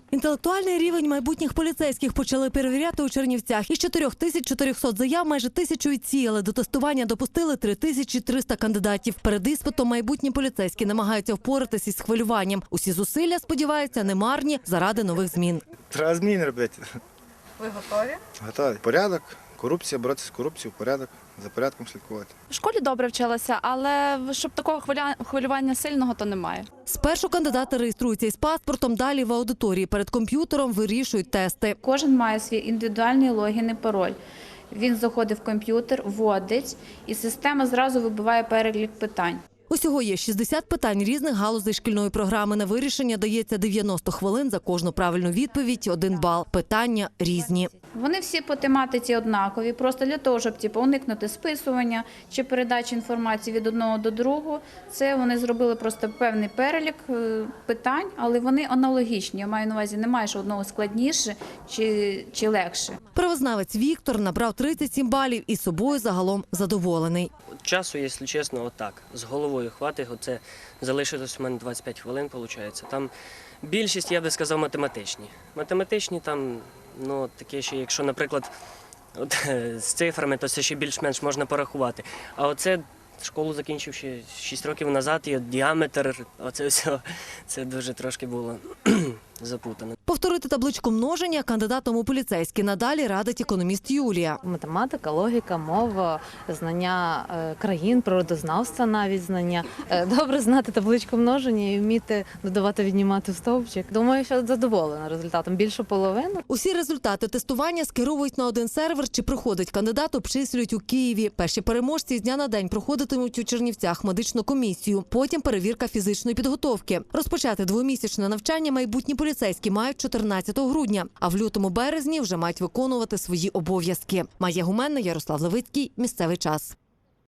Інтелектуальний рівень майбутніх поліцейських почали перевіряти у Чернівцях. Із 4400 заяв майже 1000 відсіяли. До тестування допустили 3300 кандидатів. Перед іспитом майбутні поліцейські намагаються впоратись із хвилюванням. Усі зусилля, сподіваються, не марні заради нових змін. Треба зміни робити. Ви готові? Готові. Порядок, корупція, боротися з корупцією, порядок, за порядком слідкувати. В школі добре вчилася, але щоб такого хвилювання сильного, то немає. Спершу кандидати реєструються із паспортом, далі в аудиторії перед комп'ютером вирішують тести. Кожен має свій індивідуальний логін і пароль. Він заходить в комп'ютер, вводить, і система зразу вибиває перелік питань. Усього є 60 питань різних галузей шкільної програми. На вирішення дається 90 хвилин за кожну правильну відповідь, 1 бал. Питання різні. Вони всі по тематиці однакові, просто для того, щоб уникнути списування чи передачі інформації від одного до другого. Це вони зробили просто певний перелік питань, але вони аналогічні. Я маю на увазі, немає що одного складніше чи легше. Правознавець Віктор набрав 37 балів і собою загалом задоволений. Часу, якщо чесно, отак, з головою хватить. Оце залишилось у мене 25 хвилин, виходить. Там більшість, я би сказав, математичні. Математичні там, ну, таке, що якщо, наприклад, от, з цифрами, то це ще більш-менш можна порахувати. А оце школу закінчив ще 6 років назад, і от діаметр, оце все, це дуже трошки було запутано. Повторити табличку множення кандидатам у поліцейські надалі радить економіст Юлія. Математика, логіка, мова, знання країн, природознавства навіть знання. Добре знати табличку множення і вміти додавати, віднімати в стовпчик. Думаю, що задоволена результатом. Більше половини. Усі результати тестування скеровують на один сервер, чи проходить кандидат, обчислюють у Києві. Перші переможці з дня на день проходитимуть у Чернівцях медичну комісію. Потім перевірка фізичної підготовки. Розпочати 2-місячне навчання майбутні поліцейські мають 14 грудня, а в лютому-березні вже мають виконувати свої обов'язки. Майя Гуменна, Ярослав Левицький. Місцевий час.